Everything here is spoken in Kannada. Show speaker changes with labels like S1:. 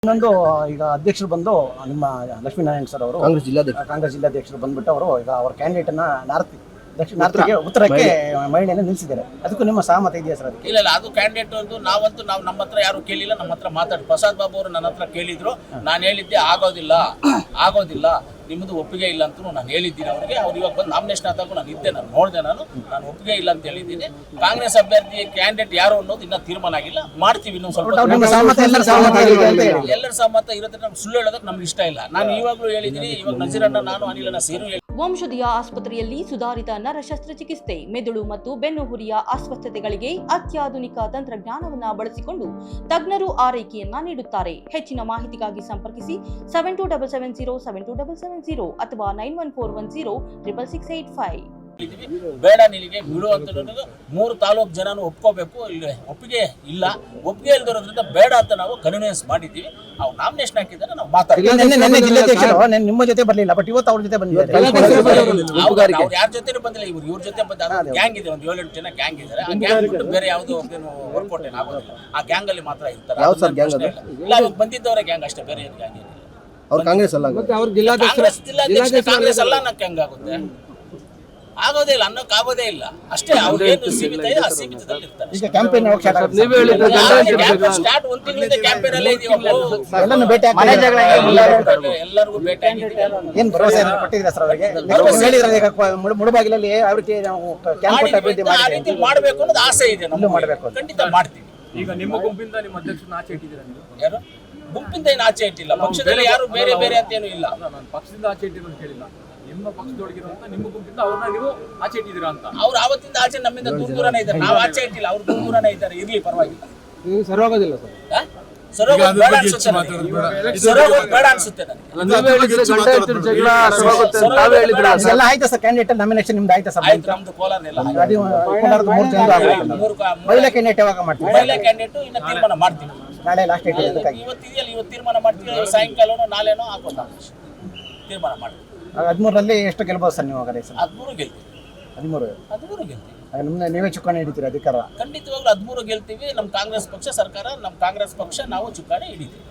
S1: ಇನ್ನೊಂದು ಈಗ ಅಧ್ಯಕ್ಷರು ಬಂದು ನಿಮ್ಮ ಲಕ್ಷ್ಮೀನಾರಾಯಣ ಸರ್ ಅವರು ಕಾಂಗ್ರೆಸ್ ಜಿಲ್ಲಾಧ್ಯಕ್ಷರು ಬಂದ್ಬಿಟ್ಟು ಅವರು ಈಗ ಅವರ ಕ್ಯಾಂಡಿಡೇಟ್ ಅನ್ನ ನಾರ್ತ್ಗೆ ಉತ್ತರಕ್ಕೆ ಮಹಿಳೆಯನ್ನು ನಿಲ್ಲಿಸಿದ್ದಾರೆ. ಅದಕ್ಕೂ ನಿಮ್ಮ ಸಹಮತ ಇದೆಯಾ ಸರ್?
S2: ಇಲ್ಲ, ಅದು ಕ್ಯಾಂಡಿಡೇಟ್ ಒಂದು ನಾವು ನಮ್ಮ ಹತ್ರ ಯಾರು ಕೇಳಿಲ್ಲ. ನಮ್ಮ ಹತ್ರ ಮಾತಾಡಿ ಪ್ರಸಾದ್ ಬಾಬು ಅವರು ನನ್ನ ಹತ್ರ ಕೇಳಿದ್ರು. ನಾನು ಹೇಳಿದ್ದೆ ಆಗೋದಿಲ್ಲ ನಿಮ್ಮದು ಒಪ್ಪಿಗೆ ಇಲ್ಲ ಅಂತ ನಾನು ಹೇಳಿದ್ದೀನಿ ಅವರಿಗೆ. ಅವ್ರು ಇವಾಗ ಬಂದು ನಾಮಿನೇಷನ್ ಆದಾಗ ನಾನು ಇದ್ದೆ, ನಾನು ನೋಡಿದೆ, ನಾನು ಒಪ್ಪಿಗೆ ಇಲ್ಲ ಅಂತ ಹೇಳಿದ್ದೀನಿ. ಕಾಂಗ್ರೆಸ್ ಅಭ್ಯರ್ಥಿ ಕ್ಯಾಂಡಿಡೇಟ್ ಯಾರು ಅನ್ನೋದು ಇನ್ನೂ ತೀರ್ಮಾನ ಆಗಿಲ್ಲ. ಮಾಡ್ತೀವಿ ಇನ್ನೊಂದು ಸ್ವಲ್ಪ. ಎಲ್ಲರ ಸಹಮತ ಇರುತ್ತೆ. ನಮ್ಗೆ ಸುಳ್ಳು ಹೇಳೋದಕ್ಕೆ ನಮ್ಗೆ ಇಷ್ಟ ಇಲ್ಲ. ನಾನು ಇವಾಗಲೂ ಹೇಳಿದ್ದೀನಿ. ಇವಾಗ ನಜೀರಣ್ಣ, ನಾನು ಅನಿಲನ ಸೇರು
S3: ವಂಶದಿಯ ಆಸ್ಪತ್ರೆಯಲ್ಲಿ ಸುಧಾರಿತ ನರ ಶಸ್ತ್ರಚಿಕಿತ್ಸೆ, ಮೆದುಳು ಮತ್ತು ಬೆನ್ನುಹುರಿಯ ಅಸ್ವಸ್ಥತೆಗಳಿಗೆ ಅತ್ಯಾಧುನಿಕ ತಂತ್ರಜ್ಞಾನವನ್ನು ಬಳಸಿಕೊಂಡು ತಜ್ಞರು ಆರೈಕೆಯನ್ನ ನೀಡುತ್ತಾರೆ. ಹೆಚ್ಚಿನ ಮಾಹಿತಿಗಾಗಿ ಸಂಪರ್ಕಿಸಿ 7277072770 ಅಥವಾ 9141066685.
S2: ಬೇಡ ನಿನಗೆ ಬಿಡು ಅಂತ 3 ತಾಲೂಕು ಜನನು ಒಪ್ಕೋಬೇಕು. ಒಪ್ಪಿಗೆ ಇಲ್ದಿರೋದ್ರಿಂದ ಬೇಡ ಅಂತ ನಾವು ಕನ್ವಿನ್ಸ್ ಮಾಡಿದ್ದೀವಿ. ಅವ್ರು ನಾಮಿನೇಷನ್ ಹಾಕಿದ್ದಾರೆ, ನಾವು ಮಾತಾಡ್ತೀವಿ.
S1: ನಿಮ್ಮ ಜೊತೆ ಬರಲಿಲ್ಲ, ಬಟ್ ಇವತ್ತು ಅವ್ರ ಜೊತೆ ಬಂದಿದ್ದಾರೆ.
S2: ಅವ್ರು ಯಾರ ಜೊತೆ ಬಂದಿಲ್ಲ, ಇವ್ರ ಜೊತೆ ಬಂದ ಗ್ಯಾಂಗ್ ಇದೆ. ಒಂದು 7-8 ಜನ ಗ್ಯಾಂಗ್ ಇದ್ದಾರೆ. ಆ ಗ್ಯಾಂಗ್ ಬಿಟ್ಟು ಬೇರೆ ಯಾವುದು ವರ್ಕೌಟ್ ಏನಾಗೋದಿಲ್ಲ. ಆ ಗ್ಯಾಂಗ್ ಅಲ್ಲಿ ಮಾತ್ರ ಇರ್ತಾರೆ. ಇಲ್ಲ, ಅವಾಗ ಬಂದಿದ್ದವರೇ ಗ್ಯಾಂಗ್ ಅಷ್ಟೇ, ಬೇರೆ ಏನು ಗ್ಯಾಂಗ್ ಏನಿಲ್ಲ.
S4: ಅವ್ರು ಕಾಂಗ್ರೆಸ್ ಅಲ್ಲ,
S2: ಕಾಂಗ್ರೆಸ್ ಅಲ್ಲ ಅನ್ನಕ್ಕೆ ಹೆಂಗಾಗುತ್ತೆ? ಆಗೋದೇ ಇಲ್ಲ, ಅನ್ನೋಕ್ಕಾಗೋದೇ ಇಲ್ಲ. ಅಷ್ಟೇ. ಅವ್ರು ಏನು ಸೀಮಿತ ಇದೆ, ಆ ಸೀಮಿತದಲ್ಲಿ ಇರ್ತಾರೆ.
S1: ಈಗ ಕ್ಯಾಂಪೇನ್
S2: ಸ್ಟಾರ್ಟ್ 1 ತಿಂಗಳಿಂದ ಕ್ಯಾಂಪೇನ್ ಅಲ್ಲೇ ಇದೀವಿ.
S1: ಎಲ್ಲರೂ ಭೇಟಿ
S2: ಎಲ್ಲರಿಗೂ ಭೇಟಿ ಆಗಿದ್ದೀವಿ.
S1: ಏನ್ ಭರವಸೆ ಕೊಟ್ಟಿದ್ದೀರಾ ಸರ್ ಅವರಿಗೆ? ಮುಳುಬಾಗಿಲಲ್ಲಿ ಯಾವ ರೀತಿ ನಾವು ಕ್ಯಾಂಪ್ ಕೊಟ್ಟು ಅಭಿವೃದ್ಧಿ
S2: ಆ ರೀತಿ ಮಾಡಬೇಕು ಅನ್ನೋದು ಆಸೆ ಇದೆ. ನಮ್ಗೆ
S1: ಮಾಡಬೇಕು,
S2: ಖಂಡಿತ ಮಾಡ್ತೀವಿ.
S5: ಈಗ ನಿಮ್ಮ ಗುಂಪಿಂದ ನಿಮ್ಮ ಅಧ್ಯಕ್ಷರನ್ನ ಆಚೆ ಇಟ್ಟಿದ್ದೀರಾ ನೀವು?
S2: ಯಾರು ಗುಂಪಿಂದ ಏನು ಆಚೆ ಇಟ್ಟಿಲ್ಲ. ಪಕ್ಷದಲ್ಲಿ ಯಾರು ಬೇರೆ ಬೇರೆ ಅಂತ ಏನು ಇಲ್ಲ.
S5: ನಾನು ಪಕ್ಷದಿಂದ ಆಚೆ ಇಟ್ಟಿರೋ ಅಂತ ಹೇಳಿಲ್ಲ. ನಿಮ್ಮ ಪಕ್ಷದೊಳಗಿರುವಂತ ನಿಮ್ಮ ಗುಂಪಿಂದ ಅವ್ರನ್ನ ನೀವು ಆಚೆ ಇಟ್ಟಿದ್ದೀರಾ ಅಂತ.
S2: ಅವ್ರು ಆವತ್ತಿಂದ ಆಚೆ ನಮ್ಮಿಂದ ದೂರನೇ ಇದ್ದಾರೆ. ನಾವು ಆಚೆ ಇಟ್ಟಿಲ್ಲ, ಅವ್ರು ದೂರನೇ ಇದ್ದಾರೆ. ಇರ್ಲಿ, ಪರವಾಗಿಲ್ಲ.
S4: ಸರೋಗೋದಿಲ್ಲ ಸರ್.
S2: ಸರೋಗೋದು ಬೇಡ ಅನ್ಸುತ್ತೆ ನನಗೆ. ಬೇಡ ಅನ್ಸುತ್ತೆ ನನಗೆ.
S1: ಎಲ್ಲ ಆಯ್ತಾ ಸರ್? ಕ್ಯಾಂಡಿಡೇಟ್ ನಾಮಿನೇಷನ್ ನಿಮ್ದು ಆಯ್ತಾ ಸರ್?
S2: ಆಯ್ತು, ನಮ್ದು ಕೋಲಾರನೆಲ್ಲ
S1: ಮಹಿಳಾ ಕ್ಯಾಂಡಿಡೇಟ್ ಯಾವಾಗ ಮಾಡ್ತೀವಿ?
S2: ಮಹಿಳಾ ಕ್ಯಾಂಡಿಡೇಟ್ ಇನ್ನ ತೀರ್ಮಾನ ಮಾಡ್ತೀವಿ.
S1: ನಾಳೆ ಲಾಸ್ಟ್ ಡೇಟ್ ಇದೆ.
S2: ಇವತ್ತು ತೀರ್ಮಾನ ಮಾಡ್ತೀವಿ. ಸಾಯಂಕಾಲನೋ ನಾಳೆನೋ ಹಾಕೋದು ತೀರ್ಮಾನ ಮಾಡ್ತೀವಿ.
S1: 13ರಲ್ಲಿ ಎಷ್ಟು ಗೆಲ್ಬೋದು ಸರ್ ನೀವು?
S2: 13 ಗೆಲ್ತೀವಿ. 13 ಗೆಲ್ತೀವಿ.
S1: ನೀವೇ ಚುಕ್ಕಾಣಿ ಹಿಡಿತೀರಿ ಅಧಿಕಾರ?
S2: ಖಂಡಿತವಾಗ್ಲೂ 13 ಗೆಲ್ತೀವಿ. ನಮ್ಮ ಕಾಂಗ್ರೆಸ್ ಪಕ್ಷ ಸರ್ಕಾರ, ನಮ್ಮ ಕಾಂಗ್ರೆಸ್ ಪಕ್ಷ ನಾವು ಚುಕ್ಕಾಣಿ ಹಿಡಿತೀವಿ.